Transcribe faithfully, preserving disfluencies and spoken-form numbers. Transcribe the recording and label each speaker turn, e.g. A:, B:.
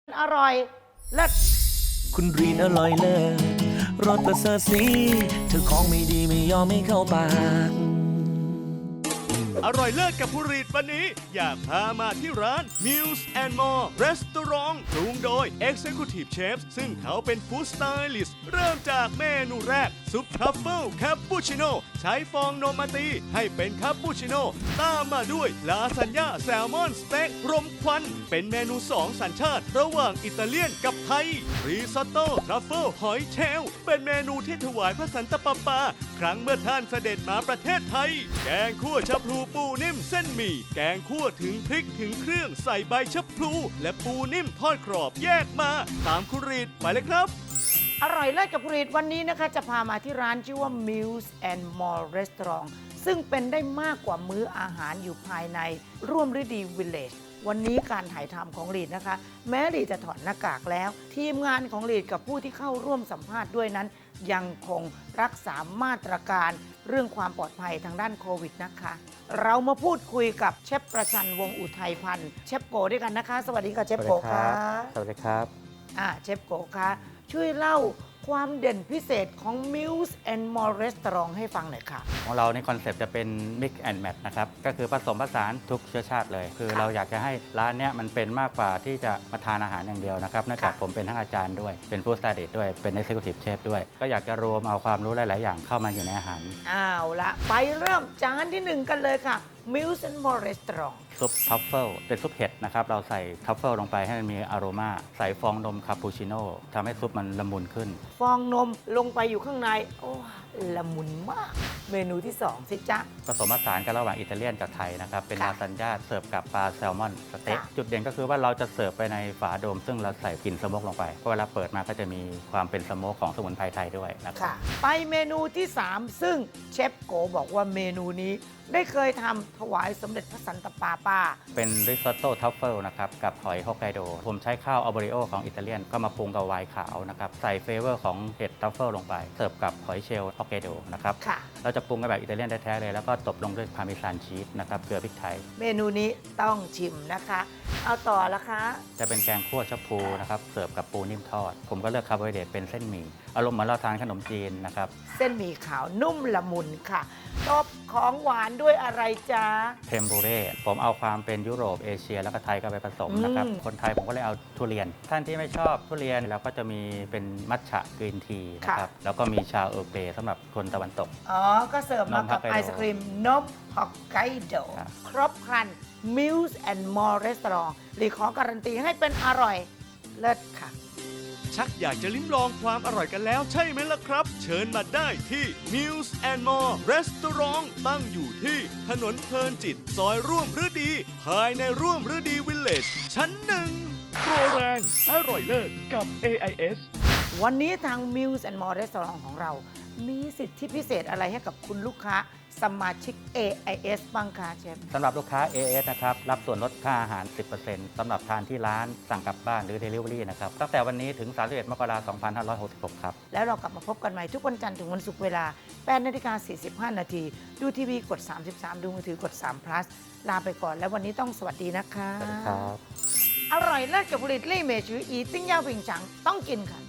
A: อร่อยเลิศ
B: คุณรีนอร่อยเลิศรสประเสริฐสีเธอของไม่ดีไม่ยอมไม่เข้าปาก
C: อร่อยเลิศกับผู้รีดวันนี้อยากพามาที่ร้าน Meals and More Restaurant ปรุงโดย Executive Chef ซึ่งเขาเป็น Food Stylist เริ่มจากเมนูแรก ซุปทรัฟเฟิลคาปูชิโน่ใช้ฟองนมมาตีให้เป็นคาปูชิโน่ตามมาด้วยลาซานญ่าแซลมอนสเต็กรมควัน เป็นเมนูสองสัญชาติระหว่างอิตาเลียนกับไทยรีซอตโต้ทรัฟเฟิลหอยเชลล์เป็นเมนูที่ถวายพระสันตะปาปาครั้งเมื่อท่านเสด็จมาประเทศไทยแกงคั่วชะพลูปูนิ่มเส้นหมี่แกงคั่วถึงพริกถึงเครื่องใส่ใบชะพลูและปูนิ่มทอดกรอบแยกมาตามคุณรีดไปเลยครับ
A: อร่อยเลิศกับผลิตวันนี้นะคะจะพามาที่ร้านชื่อว่า Meals and More Restaurant ซึ่งเป็นได้มากกว่ามื้ออาหารอยู่ภายในร่วมฤดีวิลเลจวันนี้การถ่ายทำของลีดนะคะ แม้ลีดจะถอดหน้ากากแล้ว ทีมงานของลีดกับผู้ที่เข้าร่วมสัมภาษณ์ด้วยนั้น ยังคงรักษามาตรการเรื่องความปลอดภัยทางด้านโควิดนะคะ เรามาพูดคุยกับเชฟประชันวงศ์อุทัยพันธ์เชฟโกด้วยกันนะคะ สวัสดีค่ะเชฟโกค่ะ
D: สวัสดีครับ
A: อ่าเชฟโกคะช่วยเล่าความเด่นพิเศษของ Meals and More Restaurant ให้ฟังหน่อยค่ะ
D: ของเราในคอนเซปต์จะเป็น Mix and Match นะครับก็คือผสมผสานทุกเชื้อชาติเลย คือเราอยากจะให้ร้านเนี้ยมันเป็นมากกว่าที่จะมาทานอาหารอย่างเดียวนะครับเนื่องจากผมเป็นทั้งอาจารย์ด้วยเป็นผู้สไตลิสต์ด้วยเป็น Executive Chef ด้วยก็อยากจะรวมเอาความรู้หลาย ๆ อย่างเข้ามาอยู่ในอาหาร
A: อ้าวละไปเริ่มจานที่หนึ่งกันเลยค่ะ Meals and More Restaurant
D: ซุปทัฟเฟิลเป็นซุปเห็ดนะครับเราใส่ทัฟเฟิลลงไปให้มันมีอโรมาใส่ฟองนมคาปูชิโน่ทำให้ซุปมันละมุนขึ้น
A: ฟองนมลงไปอยู่ข้างในโอ้ละมุนมากเมนูที่สองสิจ๊ะ
D: ผสมผสานกันระหว่างอิตาเลียนกับไทยนะครับเป็นลาซานญ่าเสิร์ฟกับปลาแซลมอนสเต็กจุดเด่นก็คือว่าเราจะเสิร์ฟไปในฝาโดมซึ่งเราใส่กลิ่นสโมกลงไปเพราะเวลาเปิดมาก็จะมีความเป็นสโมกของสมุนไพรไทยด้วยนะครับ
A: ไปเมนูที่สามซึ่งเชฟโกบอกว่าเมนูนี้ได้เคยทำถวายสมเด็จพระสันตะปาปา
D: เป็นริซอตโต้ทัฟเฟิลนะครับกับหอยฮอกไกโดผมใช้ข้าวอัลบริโอของอิตาเลียนก็มาปรุงกับไวน์ขาวนะครับใส่เฟเวอร์ของเห็ดทัฟเฟิลลงไปเสิร์ฟกับหอยเชลล์ฮอกไกโดนะครับเราจะปรุงกันแบบอิตาเลียนแท้ๆเลยแล้วก็ตบลงด้วยพาร์เมซานชีสนะครับเกลือพริกไทย
A: เมนูนี้ต้องชิมนะคะเอาต่อละคะ
D: จะเป็นแกงคั่วชะพูนะครับเสิร์ฟกับปูนิ่มทอดผมก็เลือกคาร์โบไฮเดรตเป็นเส้นหมี่อารมณ์เหมือนเราทานขนมจีนนะครับ
A: เส้นหมี่ขาวนุ่มละมุนค่ะตบของหวานด้วยอะไรจ๊ะ
D: เทมปุเร่ผมเอาความเป็นยุโรปเอเชียแล้วก็ไทยก็ไปผสมนะครับคนไทยผมก็เลยเอาทุเรียนท่านที่ไม่ชอบทุเรียนเราก็จะมีเป็นมัทฉะกรีนทีนะครับแล้วก็มีชาเออร์เกรสำหรับคนตะวันตก
A: อ๋อก็เสิร์ฟมากับไอศครีมนมฮอกไกโดครบครัน Meals and More Restaurant หรือขอการันตีให้เป็นอร่อยเลิศค่ะ
C: ชักอยากจะลิ้มลองความอร่อยกันแล้วใช่ไหมล่ะครับ เชิญมาได้ที่ Meals and More Restaurant ตั้งอยู่ที่ถนนเพลินจิตซอยร่วมฤดีภายในร่วมฤดีวิลเลจชั้นหนึ่งโปรแรงอร่อยเลิศกับ เอ ไอ เอส
A: วันนี้ทาง Meals and More Restaurant ของเรามีสิทธิพิเศษอะไรให้กับคุณลูกค้าสมาชิก เอ ไอ เอส บ้างคะเชฟ
D: สำหรับลูกค้า เอ ไอ เอส นะครับรับส่วนลดค่าอาหาร สิบเปอร์เซ็นต์ สำหรับทานที่ร้านสั่งกลับบ้านหรือ Delivery นะครับตั้งแต่วันนี้ถึง สามสิบเอ็ด มกราคม สองพันห้าร้อยหกสิบหก ครับ
A: แล้วเรากลับมาพบกันใหม่ทุกวันจันทร์ถึงวันศุกร์เวลา แปดนาฬิกาสี่สิบห้า นาทีดูทีวีกด สามสิบสาม ดูมือถือกด สาม plus ลาไปก่อนแล้ววันนี้ต้องสวัสดีนะคะ
D: สวัสดีครับ
A: อร่อยเลิศกับผลิตลี่เมชืออีติ้งย่าผิงฉังต้องกินค่ะ